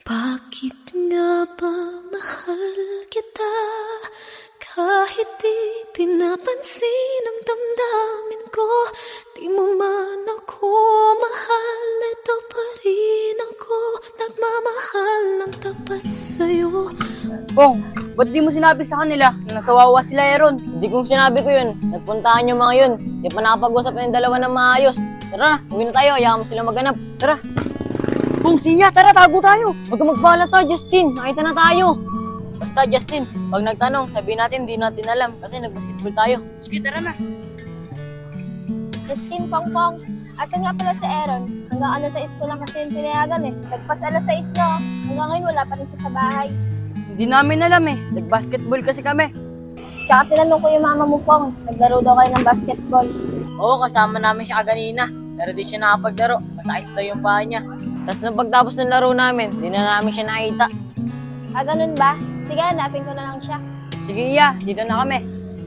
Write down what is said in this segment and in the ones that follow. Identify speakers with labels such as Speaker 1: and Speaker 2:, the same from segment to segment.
Speaker 1: Bakit nga ba mahal kita? Kahit di pinapansin ang damdamin ko, di mo man ako mahal, ito pa rin ako, nagmamahal ng tapat sa'yo.
Speaker 2: Pong, ba't di mo sinabi sa kanila na nasawawa sila Aaron? Hindi kong sinabi ko yun. Nagpuntahan yung mga yun. Di pa nakapag-usap ng dalawa ng maayos. Tara, uwi na tayo. Hayaan mo sila maghanap. Tara. Pong, siya, tara, tago tayo. Huwag ka magpaalam to, Justin. Nakita na tayo. Basta, Justin, pag nagtanong, sabihin natin, di natin alam. Kasi nag-basketball tayo. Sige, tara na.
Speaker 3: Christine Pongpong, asan nga pala si Aaron? Hanggang alas 6 ko lang kasi yung pinayagan eh. Nagpas alas 6 na, hanggang ngayon wala pa rin siya sa bahay.
Speaker 2: Hindi namin alam eh. Nag-basketball kasi kami.
Speaker 3: Tsaka tinanong ko yung mama mo Pong, naglaro daw kayo ng basketball.
Speaker 2: Oo, kasama namin siya kanina. Pero di siya nakapaglaro. Masakit daw yung paa niya. Tapos nung pagtapos ng laro namin, di na namin siya nakita.
Speaker 3: Ah, ganun ba? Sige, hanapin ko na lang siya.
Speaker 2: Sige, Iya. Dito na kami.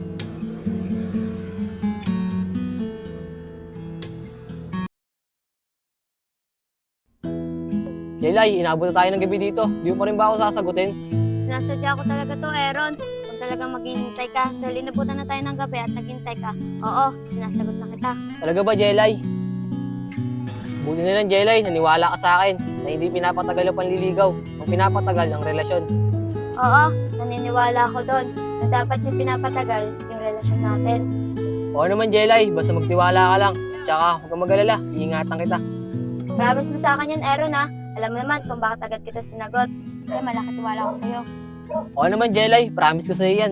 Speaker 2: Jelay, inabot na tayo ng gabi dito. Di mo pa rin ba ako sasagutin?
Speaker 3: Sinasadya ko talaga to, Aaron. Kung talagang maghihintay ka, dahil inabutan na tayo ng gabi at naghintay ka. Oo, sinasagot na kita.
Speaker 2: Talaga ba, Jelay? Buti na lang, Jelay. Naniwala ka sa akin na hindi pinapatagal ang panliligaw. Ang pinapatagal ang relasyon.
Speaker 3: Oo, naniniwala ako doon na dapat yung pinapatagal yung relasyon natin.
Speaker 2: Oo naman, Jelay. Basta magtiwala ka lang. At saka, huwag kang mag-alala. Iingatan kita.
Speaker 3: Promise mo sa akin yan, Aaron ha. Alam mo naman kung bakit agad kita sinagot. Kasi malaki tiwala ko sa'yo.
Speaker 2: Oo naman, Jelay. Promise ko sa'yo yan.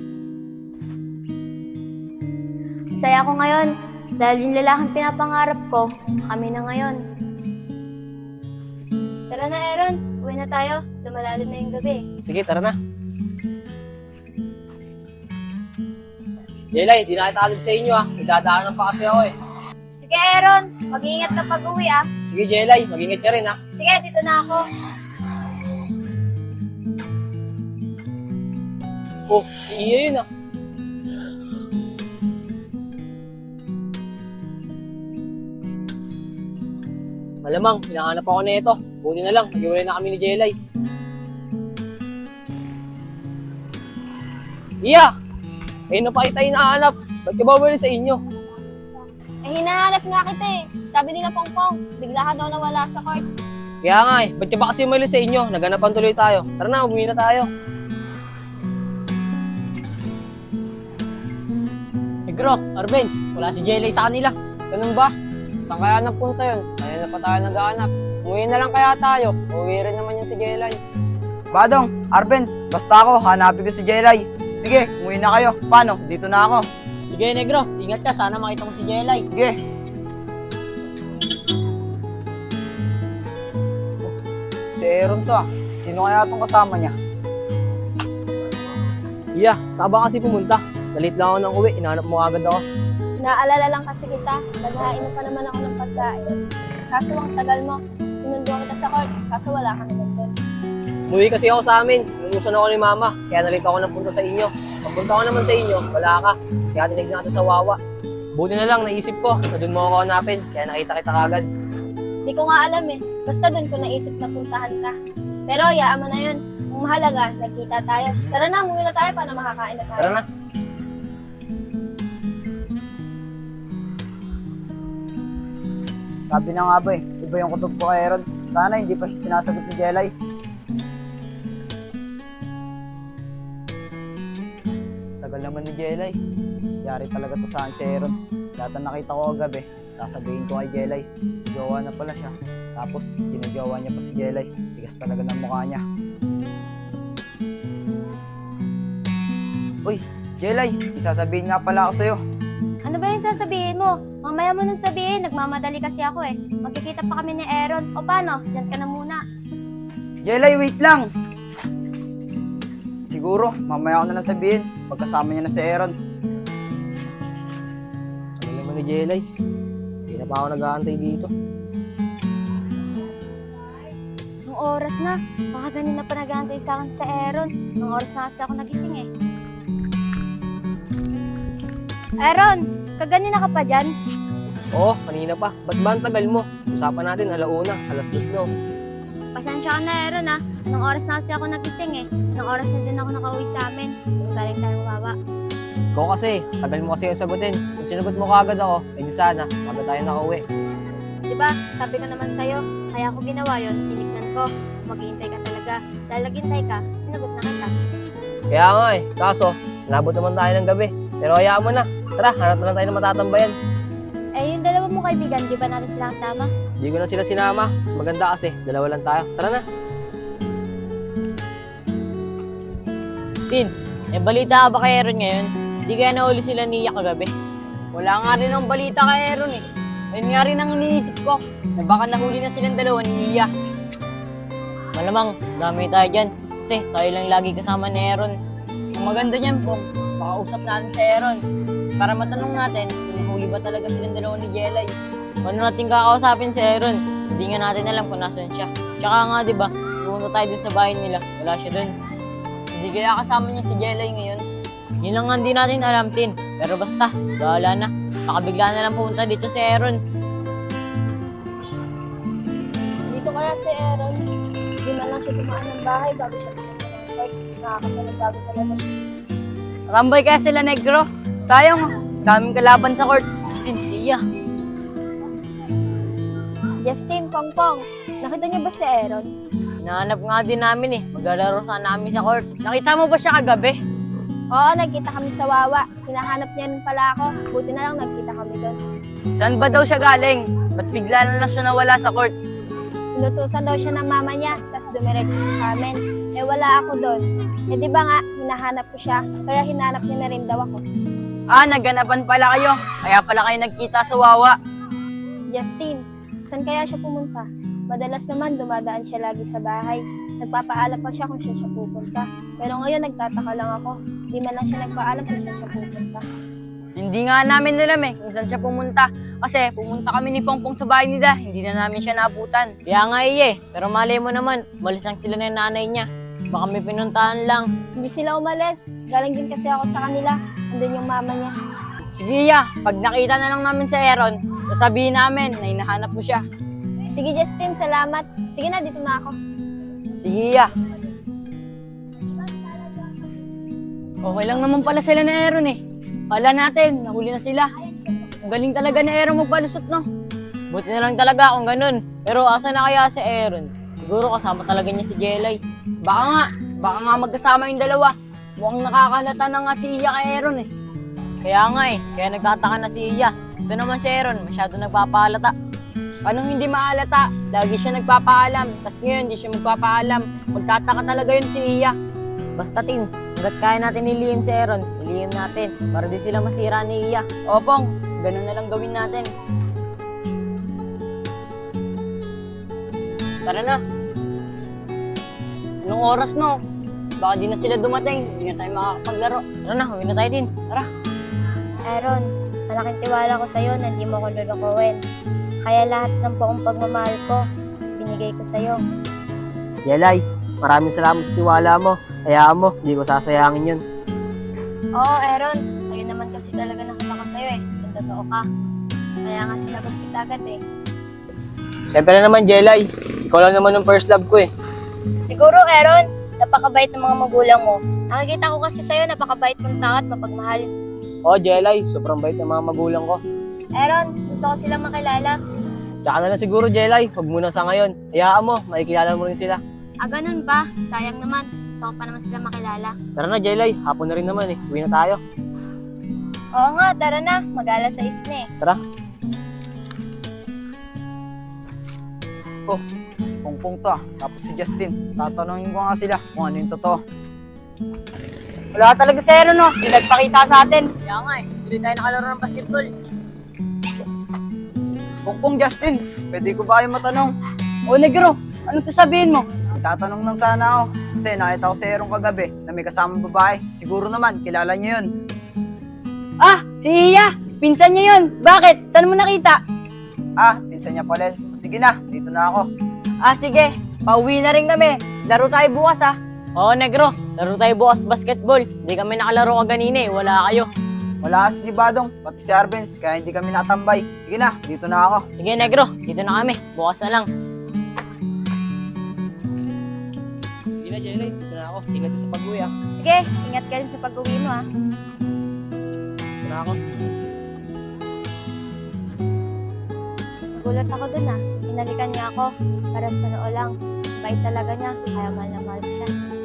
Speaker 3: Saya ko ngayon. Dahil yung lalaking pinapangarap ko, kami na ngayon. Tara na, Aaron. Uwi na tayo. Lumalalim na yung gabi.
Speaker 2: Sige, tara na. Jelay, di na kita alis sa inyo ah. Nagdadaanan pa kasi ako eh.
Speaker 3: Sige, Aaron. Mag-iingat ka pag uwi ah.
Speaker 2: Sige, Jelay. Mag-ingat ka rin ah.
Speaker 3: Sige, dito na ako.
Speaker 2: Oh, si Iya yun ah. Malamang, hinahanap ako na ito. Buti na lang, nag-iwalay na kami ni Jelay. Iya! Ayun na pa kita hinahanap. Ba't ka ba wala sa inyo?
Speaker 3: Eh, hinahanap nga kita eh. Sabi nila Pongpong, bigla ka daw nawala sa court.
Speaker 2: Kaya nga eh, ba't ka ba kasi umalis sa inyo? Naganapan tuloy tayo. Tara na, umuwi na tayo. Grok, Arbenz, wala si Jelay sa kanila. Ganun ba? Saan kaya napunta yun? Kaya na pa tayo naghahanap. Umuwi na lang kaya tayo. Uwi rin naman yun si Jelay.
Speaker 4: Badong, Arbenz, basta ako, hanapin ko si Jelay. Sige, umuwi na kayo. Paano? Dito na ako.
Speaker 2: Sige, Negro, ingat ka. Sana makita mo si Jelay.
Speaker 4: Sige. Si Aaron to ah. Sino kaya itong kasama niya?
Speaker 2: Iya, saan ba kasi pumunta? Dalit lang ako ng uwi. Inahanap mo agad ako.
Speaker 3: Naalala lang kasi kita, naghain pa naman ako ng pagkain. Kaso ang tagal mo, sinundo kita sa court, kaso wala ka naman doon.
Speaker 2: Umuwi kasi ako sa amin. Inuusan ako ni Mama. Kaya nalito ako ng punta sa inyo. Pagpunta ko naman sa inyo, wala ka. Kaya tinignan natin sa Wawa. Buti na lang, naisip ko na doon mo ako hanapin. Kaya nakita kita kagad.
Speaker 3: Di ko nga alam eh, basta doon ko naisip na puntahan ka. Pero hayaan mo na yun, ang mahalaga, nagkita tayo. Tara na, umuwi na tayo para makakain na tayo.
Speaker 2: Tara na.
Speaker 4: Sabi na nga ba eh, iba yung kutob ko kay Aaron. Sana hindi pa siya sinasagot ni Jelay. Tagal naman ni Jelay. Yari talaga to saan si Aaron. Lahat na nakita ko kagabi, sasabihin ko kay Jelay. Jowa na pala siya. Tapos, ginagawa niya pa si Jelay. Tigas talaga ng mukha niya. Uy, Jelay, isasabihin nga pala ako sa'yo.
Speaker 3: Ano ba yung sasabihin mo? Mamaya mo nang sabihin, nagmamadali kasi ako eh. Magkikita pa kami ni Aaron. O paano? Diyan ka na muna.
Speaker 4: Jelay, wait lang! Siguro, mamaya ko na lang sabihin. Pagkasama niya na si Aaron.
Speaker 2: Ano naman ni Jelay? Hindi na pa ako nag-aantay dito.
Speaker 3: Nung oras na, baka ganun na pa nag-aantay sa akin sa Aaron. Nung oras na kasi ako nagising eh. Aaron, kaganina ka pa dyan?
Speaker 2: Oo, kanina pa. Ba't ba ang tagal mo? Usapan natin, alauna, alas 2 no.
Speaker 3: Pasensya ka na, Aaron ha. Anong oras na kasi ako nagising eh. Anong oras na din ako nakauwi sa amin. Kung galing tayo mababa.
Speaker 2: Ikaw kasi, tagal mo kasi yung sagutin. Kung sinagot mo kaagad ako, edi sana, maganda tayo nakauwi.
Speaker 3: Diba, sabi ko naman sa'yo, kaya ako ginawa yun, tinignan ko. Maghihintay ka talaga. Dahil naghintay ka, sinagot na kita.
Speaker 2: Kaya nga eh, kaso, nabot naman tayo ng gabi. Pero hayaan mo na. Tara, hanap na lang tayo ng matatambayan.
Speaker 3: Eh, yung dalawa mong kaibigan, di ba natin sila kasama?
Speaker 2: Hindi ko na sila sinama. Mas maganda kasi, dalawa lang tayo. Tara na. Tin, balita ka ba kay Aaron ngayon? Hindi kaya nahuli sila ni Iya kagabi? Wala nga rin ang balita kay Aaron eh. Ayun nga rin ang iniisip ko, na baka nahuli na silang dalawa ni Iya. Malamang, dami tayo dyan. Kasi tayo lang lagi kasama ni Aaron. Ang maganda niyan po, makausap natin si Aaron. Para matanong natin kung nahuli ba talaga silang dalawa ni Jelay. Paano natin kakausapin si Aaron? Hindi nga natin alam kung nasan siya. Tsaka nga diba, pumunta tayo dun sa bahay nila. Wala siya dun. Hindi kaya kasama niya si Jelay ngayon. Yun lang nga hindi natin alam, Tin. Pero basta, bahala na. Baka bigla na lang pumunta dito si Aaron.
Speaker 3: Dito kaya si Aaron, di man lang siya tumaan ng bahay bago siya pumunta ng court. Nakakapalagbago talaga siya.
Speaker 2: Tambay kaya sila negro. Sayang, daming kalaban sa court. Justin, siya.
Speaker 3: Justin, Pongpong, nakita niyo ba si Aaron?
Speaker 2: Hinahanap nga din namin eh. Maglalaro sana namin sa court. Nakita mo ba siya kagabi?
Speaker 3: Oo, nagkita kami sa Wawa. Hinahanap niya rin pala ako. Buti na lang nagkita kami doon.
Speaker 2: Saan ba daw siya galing? Ba't bigla na lang siya nawala sa court?
Speaker 3: Inutusan daw siya ng mama niya, tapos dumiretso siya sa amin. Eh wala ako doon. Eh di ba nga, hinahanap ko siya, kaya hinanap niya na rin daw ako.
Speaker 2: Ah, nagganapan pala kayo. Kaya pala kayo nagkita sa Wawa.
Speaker 3: Justin, saan kaya siya pumunta? Madalas naman dumadaan siya lagi sa bahay. Nagpapaalam pa siya kung siya pupunta. Pero ngayon nagtataka lang ako. Di man lang siya nagpaalam kung siya pupunta.
Speaker 2: Hindi nga namin alam eh kung saan siya pumunta. Kasi pumunta kami ni Pongpong sa bahay nila. Hindi na namin siya naabutan. Kaya nga pero malay mo naman, umalis lang sila ng nanay niya. Baka may pinuntahan lang.
Speaker 3: Hindi sila umalis. Galing din kasi ako sa kanila. Andun yung mama niya.
Speaker 2: Sige Iya, pag nakita na lang namin si Aaron, sasabihin namin na hinahanap mo siya.
Speaker 3: Sige Justin, salamat. Sige na, dito na ako.
Speaker 2: Sige Iya. Okay lang naman pala sila ni Aaron eh. Kala natin, nahuli na sila. Ang galing talaga ni Aaron magpalusot, no? Buti na lang talaga kung ganun. Pero asa na kaya si Aaron? Siguro kasama talaga niya si Jelay. Baka nga magkasama yung dalawa. Mukhang nakakalata na nga si Iya kay Aaron eh. Kaya nga kaya nagtataka na si Iya. Ito naman si Aaron, masyado nagpapaalata. Paano hindi maalata? Lagi siya nagpapaalam. Tapos ngayon, hindi siya magpapaalam. Magtataka talaga yun si Iya. Basta Tin, hanggat kaya natin ilihim si Aaron, ilihim natin. Para di sila masira ni Iya. Opong, ganun na lang gawin natin. Tara na. Anong oras no? Baka di na sila dumating. Hindi na tayo makakapaglaro. Tara na, huwi na tayo din. Tara.
Speaker 3: Aaron, malaking tiwala ko sa'yo na hindi mo ko lulukuhin. Kaya lahat ng buong pagmamahal ko, binigay ko sa'yo.
Speaker 4: Jelay, maraming salamat sa tiwala mo. Hayaan mo, hindi ko sasayangin yun.
Speaker 3: Oo, Aaron. Sa'yo naman kasi talaga nakita ko sa'yo kung totoo ka. Kaya nga sinagot kita agad
Speaker 2: Siyempre naman, Jelay. Ikaw lang naman yung first love ko
Speaker 3: Siguro, Aaron, napakabait ng mga magulang mo. Nakikita ko kasi sa'yo, napakabait mong tao at mapagmahal.
Speaker 2: Oo, Jelay. Sobrang bait ng mga magulang ko.
Speaker 3: Aaron, gusto ko silang makilala.
Speaker 2: Tsaka na lang siguro, Jelay. Huwag muna sa ngayon. Hayaan mo, makikilala mo rin sila.
Speaker 3: Ah, ganun ba? Sayang naman. Gusto ko pa naman sila makilala.
Speaker 2: Tara na, Jelay. Hapon na rin naman Uwi na tayo.
Speaker 3: Oo nga, tara na. Mag-alas 6 na
Speaker 2: Tara.
Speaker 4: Pongpong to Tapos si Justin, tatanungin ko nga sila kung ano yung totoo.
Speaker 2: Wala talaga si Aaron, no? Hindi nagpakita sa atin. Kaya nga hindi tayo nakalaro ng basketball.
Speaker 4: Pongpong Justin, pwede ko ba kayo matanong?
Speaker 2: O, Negro, anong sasabihin mo?
Speaker 4: Tatanong lang sana ako. Kasi nakita ko si Aaron kagabi na may kasamang babae. Siguro naman, kilala niyo yun.
Speaker 2: Ah, si Iya! Pinsan niya yun! Bakit? Saan mo nakita?
Speaker 4: Ah, pinsan niya pala. Sige na, dito na ako.
Speaker 2: Ah, sige. Pauwi na rin kami. Laro tayo bukas, Oo, Negro. Laro tayo bukas basketball. Hindi kami nakalaro kaganina Wala kayo.
Speaker 4: Wala kasi si Badong, pati si Arbenz, kaya hindi kami natambay. Sige na, dito na ako.
Speaker 2: Sige, Negro. Dito na kami. Bukas na lang.
Speaker 5: Jelay. Dito na ako. Ingat din sa pag-uwi ah.
Speaker 3: Sige, ingat ka rin sa pag-uwi mo ah.
Speaker 5: Dito na ako.
Speaker 3: Nagulat ako dun ah. Hinalikan niya ako. Para sa noo lang. Bait talaga niya. Kaya mahal na mahal ko siya.